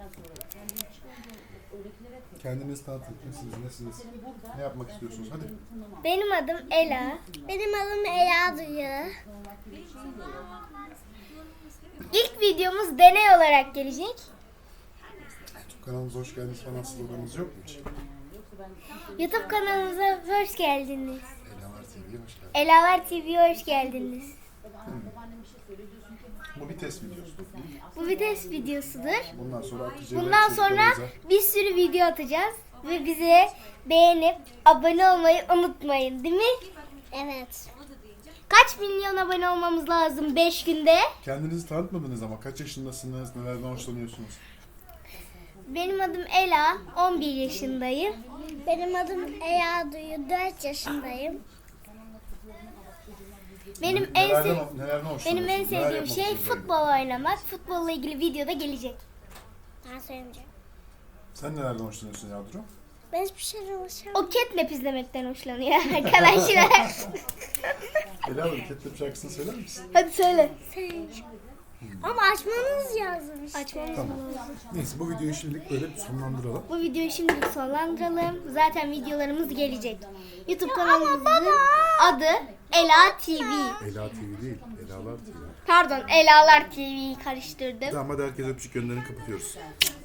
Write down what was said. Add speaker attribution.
Speaker 1: Kendinizi tanıtın. Kimsiniz, nesiniz? Ne yapmak istiyorsunuz? Hadi.
Speaker 2: Benim adım Ela. Benim adım Ela Duyu. İlk videomuz deney olarak gelecek.
Speaker 1: YouTube kanalımıza hoş geldiniz falan sloganınız yok mu hiç?
Speaker 2: YouTube kanalımıza hoş geldiniz.
Speaker 1: Elalar TV'ye hoş geldiniz.
Speaker 2: Elalar TV'ye hoş geldiniz.
Speaker 1: Bu bir test videosu.
Speaker 2: Bu bir test videosudur.
Speaker 1: Bundan sonra Hatice
Speaker 2: Bundan sonra bir sürü video atacağız. Ve bize beğenip abone olmayı unutmayın, değil mi? Evet. Kaç milyon abone olmamız lazım 5 günde?
Speaker 1: Kendinizi tanıtmadınız ama kaç yaşındasınız, nelerden hoşlanıyorsunuz?
Speaker 2: Benim adım Ela, 11 yaşındayım. Benim adım Ela Duyu, 4 yaşındayım. Benim en
Speaker 1: hoşlanıyorsunuz?
Speaker 2: sevdiğim şey futbol oynamak. Futbolla ilgili videoda gelecek. Ben söyleyeceğim.
Speaker 1: Sen nelerden hoşlanıyorsun Yadro?
Speaker 2: Ben hiçbir şeyden hoşlanmıyorum. O Catnap izlemekten hoşlanıyor arkadaşlar.
Speaker 1: Ela Hanım, Catnap şarkısını söyler misin?
Speaker 2: Hadi söyle. Ama açmanız yazmış. Açmamız
Speaker 1: Tamam.
Speaker 2: lazım.
Speaker 1: Neyse, bu videoyu şimdilik böyle sonlandıralım.
Speaker 2: Bu videoyu şimdilik sonlandıralım. Zaten videolarımız gelecek. YouTube kanalımızın adı Ela TV.
Speaker 1: Ela TV değil, Elalar TV.
Speaker 2: Pardon, Elalar TV'yi karıştırdım.
Speaker 1: Tamam, hadi herkese öpücük gönderin, kapatıyoruz.